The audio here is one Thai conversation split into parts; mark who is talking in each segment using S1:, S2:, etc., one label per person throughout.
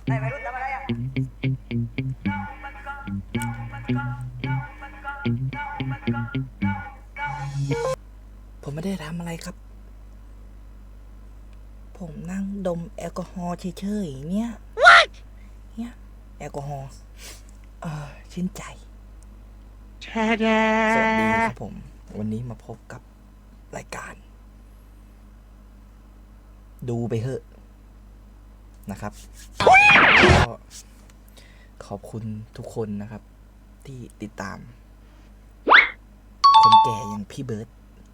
S1: ผมไม่ได้ทำอะไรครับ ผมนั่งดมแอลกอฮอล์เฉยๆเนี่ยแอลกอฮอล์ชื่นใจสวัสดีครับผม วันนี้มาพบกับรายการ ดูไปเถอะนะครับก็ขอบคุณทุกคนนะครับ ที่ติดตาม คนแก่อย่างพี่เบิร์ต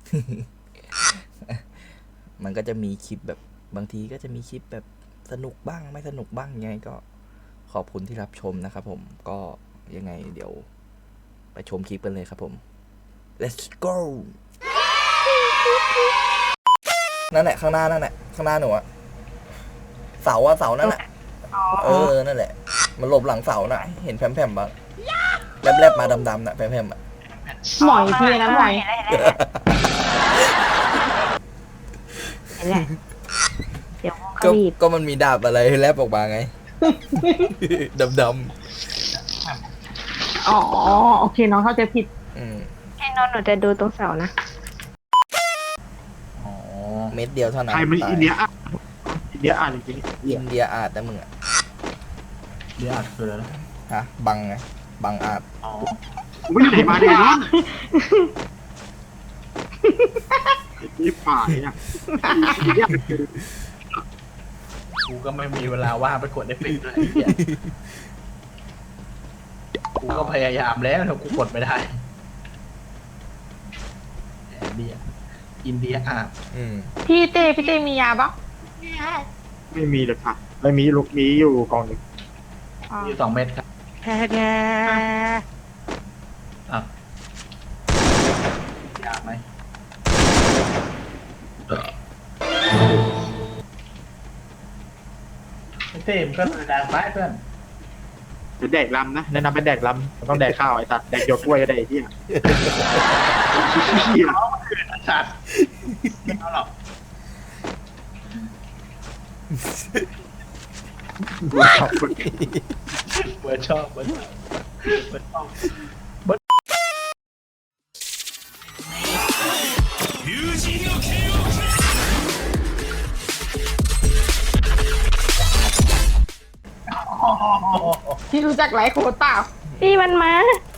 S1: มันก็จะมีคลิปแบบบางทีก็จะมีคลิปแบบสนุกบ้างไม่สนุกบ้างยังไงก็ขอบคุณที่รับชมนะครับผมก็ยังไงเดี๋ยวไปชมคลิปกันเลยครับผม let's go นั่นแหละข้างหน้านั่นแหละข้างหน้าหนูอะเสานั่นแหละนั่นแหละมันหลบหลังเสาน่ะเห็นแผ่มๆบ้างแลบๆมาดำๆน่ะแผ่มๆอะ
S2: หมอยทีนะหมอยเห็นแหละเดี๋ยวก็รีบ
S1: ก็มันมีดาบอะไรแลบออกมาไง ดำ
S2: อ๋อโอเคน้องเข้าใจผิด
S1: ๆ
S2: พี่นนท์หนูจะดูตรงเสานะ
S1: อ๋อเม็ดเดียวเท่านั้น
S3: ใครมันอินเดียอ่ะอินเดียอ่านจริง
S1: อินเดียอาจนะมึงอะ
S3: อินเดียอ่านคืออะไรนะ
S1: ฮะบังไงบังอาจ
S3: อ๋อผมไม่ได้ไหนมาเนี่ยน้องนี่ป่าเนี่ยอินเดียคือ
S4: กูก็ไม่มีเวลาว่างไปกดเอฟเฟกต์เลยกูก็พยายามแล้วแต่กูกดไม่ได้อินเดียอ่ะ
S2: พี่เต้มียาปะ
S3: ไม่มีเลยค่ะไม่มีลูกมีอยู่กองหนึ่ง
S2: อ๋อ
S4: มี2 เม็ดครับอ่ะอยากไหมไม่เต็มก็แรงไปเพื่อน
S3: เป็นแดกลำนะแนะนำเป็นแดกลำมันต้องแดกข้าวไอ้สัตว์แดกหยวกกล้วยก็ได้ไอ้เหี้ยเหี้ย
S4: สัตว์ไม่เอาหรอก
S3: ขอบคุณ
S4: เบิร์ดชอบเบิร์ดชอบ
S2: พี่รู้จักไลฟ์โค้ดเปล่าพี่มันมา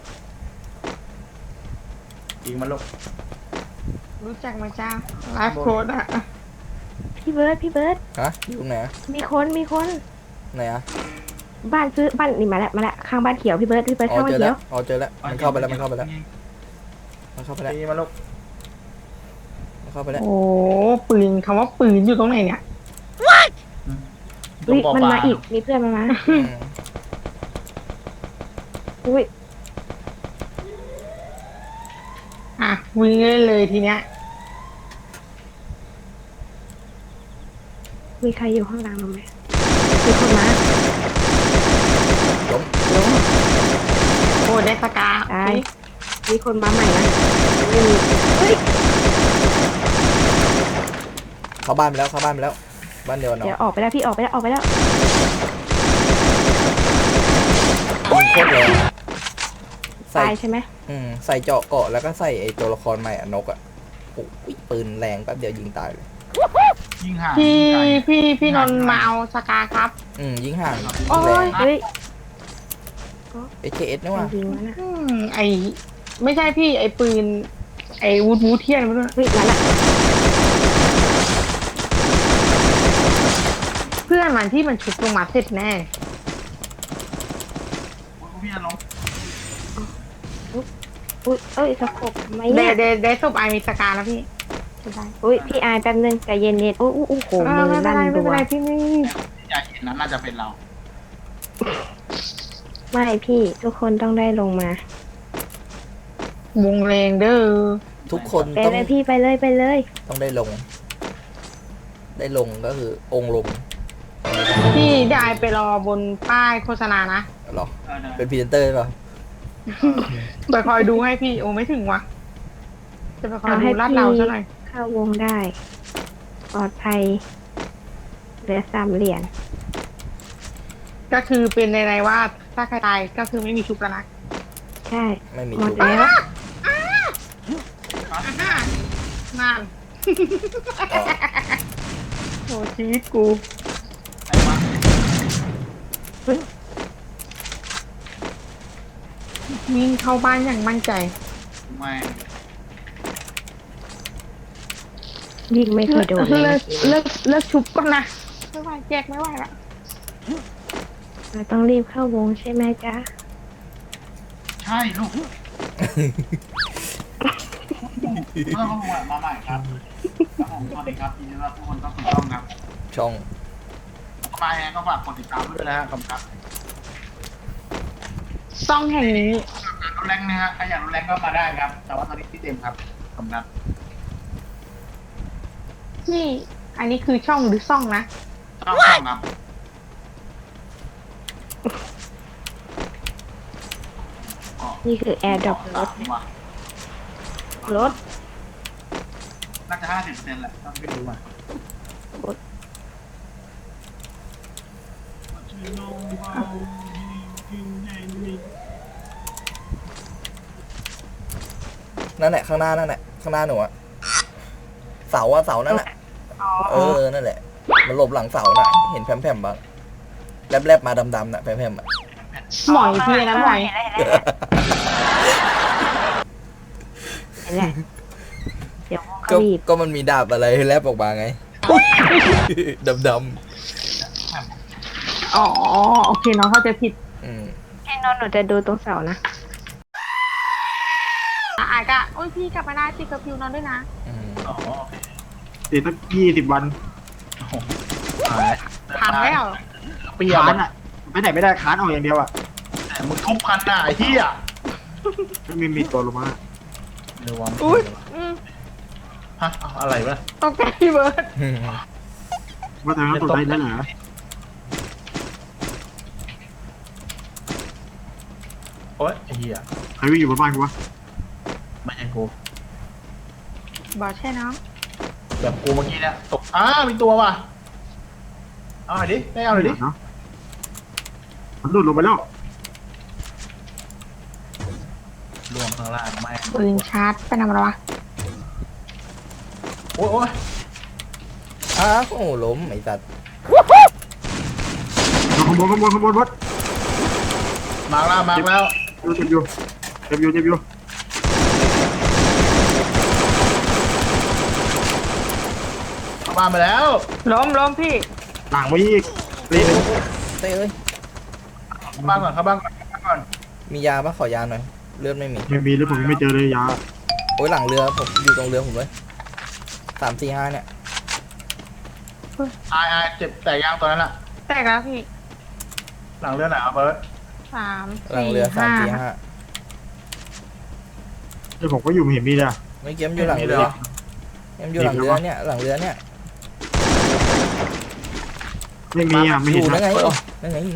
S4: ยิงมันลูก
S2: รู้จักไหมจ้าไลฟ์โค้ดอะพี่เบิร์ด
S1: ฮะอยู่ตรงไหนอะ
S2: มีคน
S1: ไหนอะ
S2: บ้านซื้อบ้านนี่มาแล้วข้างบ้านเขียวพี่เบิร์ด
S1: อ๋อ
S2: ข้างบ้าน
S1: เจอ
S2: เขี
S1: แล้
S2: ยว ว
S1: อ๋อเจอแล้วมันเข้าไปแล้วมันเข้าไปแล้ว
S4: ตีมันลูก
S2: โอ้ปืนคำว่าปืนอยู่ตรงไหนเนี่ย
S4: ตรงปอ
S2: มัน
S4: ปลา
S2: มาอีกมีเพื่อนมันมา
S1: อืม
S2: อุ้ยอ่ะวิ่งเลยทีเนี้ยมีใครอยู่ข้างหลังเราไหมมีคนมา
S1: ล้ม
S2: โอ้ได้สกาได้มีคนมาใหม่นะไม่มีเฮ้ย
S1: เข้าบ้านไปแล้วบ้านเดียวกันเนาะ
S2: เดี๋ยวออกไปแล้วพี่ออกไปแล้ว
S1: ยิงโคตรแรงใส่
S2: ตายใช่ไหม
S1: ใส่เจาะเกาะแล้วก็ใส่ไอ้ตัวละครใหม่อะนกอะโอ้ยปืนแรงแป๊บเดียวยิงตายเลย
S4: ยิงห่าง
S2: พี่นนท์มาเอาสกาครับ
S1: ยิงห่าง
S2: โอ้
S1: แร
S2: ย
S1: ง
S2: เฮ้ย
S1: HKS นี่ว่ะ
S2: ยิงมันนะไอไม่ใช่พี่ไอปืนไอวูดเทียนมันด้วยเฮ้ยนั่นแหละเพื่อนมันที่มันชุบลงมาเสร็จแน่
S4: พี่ลง
S5: อุ้ยเอ้ยสะกบทำไม
S2: เด
S5: เนี่ย
S2: เดศพไอมีสกาแล้วพี่
S5: อุ้ยพี่อายแป๊บนึงใจเย็นๆโอ้โหมือ
S2: ไม่เป็น
S5: ลั่น
S2: ไรไม่
S5: รั
S2: เป็น
S5: ว
S2: ไรพี่ไม่
S4: อยากเห็นนั้นน่าจะเป็นเรา
S5: ไม่พี่ทุกคนต้องได้ลงมาว
S2: งแรงเด้อ
S1: ทุกคน
S5: ไป
S1: ต้อง
S5: เลยพี่ไปเลย
S1: ต้องได้ลงก็คือองค์ลง
S2: พี่ได้ไปรอบนป้ายโฆษณานะ
S1: เหรอเป็นพรีเซนเตอร์เปล่า
S2: ไปคอยดูให้พี่โอ้ไม่ถึงวะจะไปคอยดูลาดเราซะหน่อย
S5: เข้าวงได้ปลอดภัยเหลือ3 เหรียญ
S2: แต่ก็คือเป็นในว่าถ้าใครตายก็คือไม่มีชุบแล้วนะ
S5: ใช่
S1: ไม่มี
S5: หมด
S1: ชุบ
S5: แล้ว
S2: นั่น
S1: อ๋อ
S2: โหชีวิตกู
S4: ไอ้วะ
S2: วิ่งเข้าบ้านอย่างมั่นใจ
S4: ไม่
S5: ยิงไม่เคยโดนเล
S2: เลิ
S5: ย
S2: กเลิกชุบก่อนนะไม่ไหวแจกไม่ไหวละ
S5: เราต้องรีบเข้าวงใช่ไหมจ๊ะ
S4: ใช่ลูกเมื่อเขาลงมาใหม่ครับครับผมสวัสดีครับยินดีต้อนรับทุกคนเข้าสู่ช่องครับ
S1: ช่อง
S4: มาแฮงก็ฝากกดติดตามด้วยนะฮะขอบคุณครับ
S2: ซ่องแห่งนี้
S4: รถแรงนะฮะใครอยากรถแรงก็มาได้ครับ แต่ว่าตอนนี้ที่เต็มครับขอบคุณครับ
S2: ที่อันนี้คือช่องหรือซ่องนะ
S4: ช่องครับ
S5: นี่คือแอร์ดรอปรถ
S4: ว่ะ
S5: รถ
S4: น่าจะ50%แหละต้องไปดูมา
S1: นั่นแหละข้างหน้านั่นแหละข้างหน้าหนูอะเสาอะเสานั่นแหละนั่นแหละ มันหลบหลังเสาน่ะ เห็นแผ่มๆบ้างแลบๆมาดำๆน่ะแผ่มๆอะ
S2: หมอยพี่นะหมอย
S5: เห็นแหละเดี๋ยววง
S1: ก็
S5: เขาบีบ
S1: ก็มันมีดาบอะไรแลบออกมาไง ดำ
S2: อ๋อโอเคน้องเข้าใจผิด
S1: ๆอืม
S5: พี่นนท์หนูจะดูตรงเสานะ
S2: อายก็โอ้ยพี่กลับมาได้ติดกับพิวนอนด้วยนะ
S1: อืม
S4: อ๋อ
S3: ติดตั้ง20 วัน
S4: หาย
S2: ทันแล้ว
S4: เปียก
S3: ค้าน
S4: อ่ะ
S3: อ่ะไปไหนไม่ได้ค้านออกอย่างเดียวอ่ะ
S4: แต่มึงทุบคันหน้าไอ้ที่อ่ะ
S3: ไม่มีตัวลงมา
S4: เร็ววะ
S2: อุ้ย
S4: ฮะเอาอะไรวะ
S2: ตกใจพี่เบิร์ด
S3: ว่าทางนั้นตกใจแล้วเหรอ
S4: โอ๊ยไอ้เหี้ย
S3: ใครวิ่งอยู่บนบ้านกูวะ
S4: ไม่ใช่กู
S2: บอกใช่น้อง
S4: แบบกูเมื่อกี้เนี่ยตกมีตัวว่ะเอาหน่อยดิได้เอาหน่อยดิ
S3: เนาะมันหลุดลงไปแล้ว
S4: ล่วงข้างล่างไม่
S2: ปืนชาร์จไปนำอะไรวะ
S4: โอ๊ย
S1: อ้าวโอ้โหล้มไอ้สัตว์
S3: ขบวนวัด
S4: มาแล้ว
S3: เจ็บอยู่
S4: เข้าบ้านไปแล้ว
S2: ล้มพี่
S3: หลังไปอีกเตะ
S1: เต้เอ้ย
S4: เข้าบ้านก่อน
S1: มียาปะขอยาหน่อย เลือดไม่มี
S3: ไม่มีแล้วผมยังไม่เจอเลยยา
S1: โอ้ยหลังเรือผมอยู่ตรงเรือผมเลย3-4-5เนี่ย
S4: อายเจ็บแต่ยางตัวนั้นอ่ะ
S2: แตกแล้วพี่
S4: หลังเรือไหนอ่ะเบิร์ด
S2: สาม
S1: หลังเรือ
S2: ห้า
S1: 3-4-5
S3: เดี๋ยวผมก็อยู่ไม่เห็นมีเลย
S1: ไม่เกี้ยมอยู่หลังเรือเกี้ยมอยู่หลังเรือเนี่ยหลังเรือเนี่ย
S3: ไม่มีอ่ะไม่
S1: อ
S3: เห็น
S1: ยู่นั่
S3: นะ
S1: นไงอ๋อนั่นไง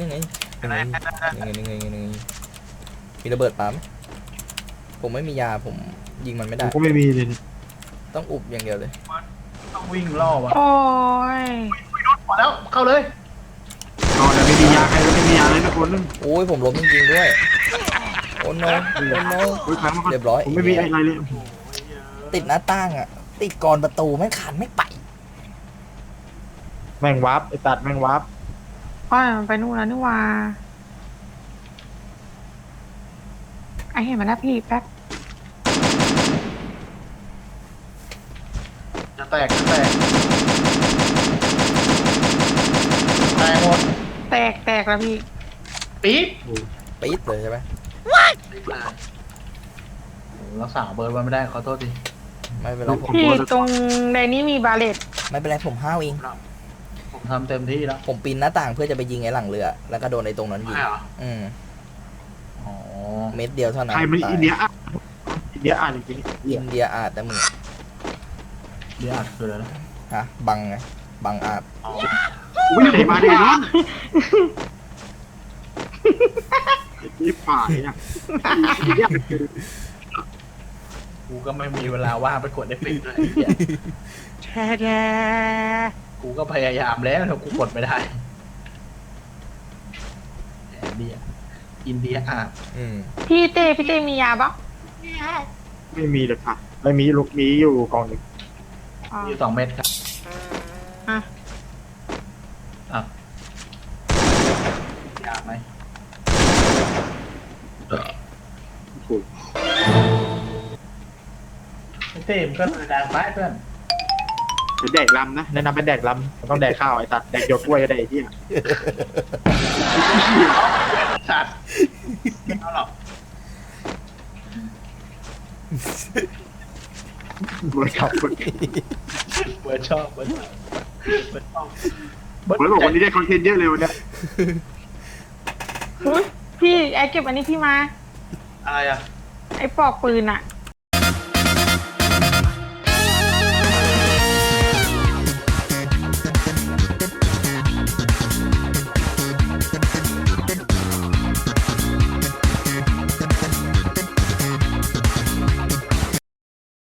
S1: มีระเบิดปั๊มผมไม่มียาผมยิงมันไม่
S3: ผ
S1: ได้
S3: มก็ไม่มีเลย
S1: ต้องอุบอย่างเดียวเลย
S4: ต้องวิ่งล่อว่ะ
S2: โอ้ย
S4: มาแล้วเข้าเลย
S3: ตอนแต่ไม่มียาใครก็ไม่มียาเลยนะคนนึง
S1: โอ้ยผมล้มจริงๆด้วย โอ้โนโอ้โน
S3: โอ้ยค้างมาก่อน
S1: เรียบร้อย
S3: ผมไม่มีอะไรเลย
S1: ติดหน้าต่างอ่ะ ติดกรอนประตูไม่ขันไม่ไป
S3: แม่งวับไอ้ตัดแม่งวับ
S2: อ้อยมันไปนู่นแล้วนี่ว่าไอเห็นมาแล้วพี่แป๊บ
S4: จะแตกแตกหมด
S2: แตกแล้วพี่
S4: ปี๊ด
S1: ปี๊ดเลยใช่ไหม
S4: รักษาเบิร์ดไว้ไม่ได้ขอโทษที
S1: ไม่เป็นไรผม
S2: พี่ตรงในนี้มีบาเลต
S1: ไม่เป็นไรผมห้าวเอง
S4: ผมทำเต็มที่แล้ว
S1: ผมปีนหน้าต่างเพื่อจะไปยิงไอ้หลังเรือ แล้วก็โดนไอ้ตรงนั้นยิง
S4: ใช่เหรอ
S1: อืม
S4: อ๋อ
S1: เม็ดเดียวเท่านั้น
S3: ใครมัน
S1: ตาย
S3: อินเดียอ่ะอินเดียอ่านจริง
S1: อินเดียอาจแต่มึง
S4: เดี๋ยวอัดคืออะไรนะ
S1: ฮะบังไงบังอาจ
S4: อ๋อ
S3: ๆวิ่งไหนมาเดี๋ยวนั้นนี่ป่าเนี่ย
S4: กูก็ไม่มีเวลาว่างไปกดเอฟเฟกต์ด้วยไอ้เหี้ย
S2: แช่
S4: กูก็พยายามแล้วแต่กูกดไม่ได้เดียอินเดียอาบ
S1: อืม
S2: พี่เต้มียาปะ
S3: ไม่มีเลยค่ะไม่มีลูกมีอยู่กล่องหนึ่ง
S2: อ๋อ
S4: มี2 เม็ดครับ
S2: อ่ะ
S4: อ่ะอยากไหม
S3: ถูก
S4: เต้มก็แรงไปเพื่อน
S3: จะแดกลำนะแนะนำเป็นแดกลำมันต้องแดกข้าวไอ้สัตว์แดกหยวกกล้วยก็ได้ไอ้เหี้ย
S4: สัตว์ไม่เอาหรอก
S3: เบิร์ดครับเบิร์ด
S4: เบิร์ดชอบเบิร์ดชอบเบิร์ดชอบ
S3: เบิร์ดบอกวันนี้ได้คอนเทนต์เยอะเลยวันเนี้ย
S2: อุ๊ยพี่ไอเก็บอันนี้พี่มา
S4: อะไรอ่ะ
S2: ไอปลอกปืนอะ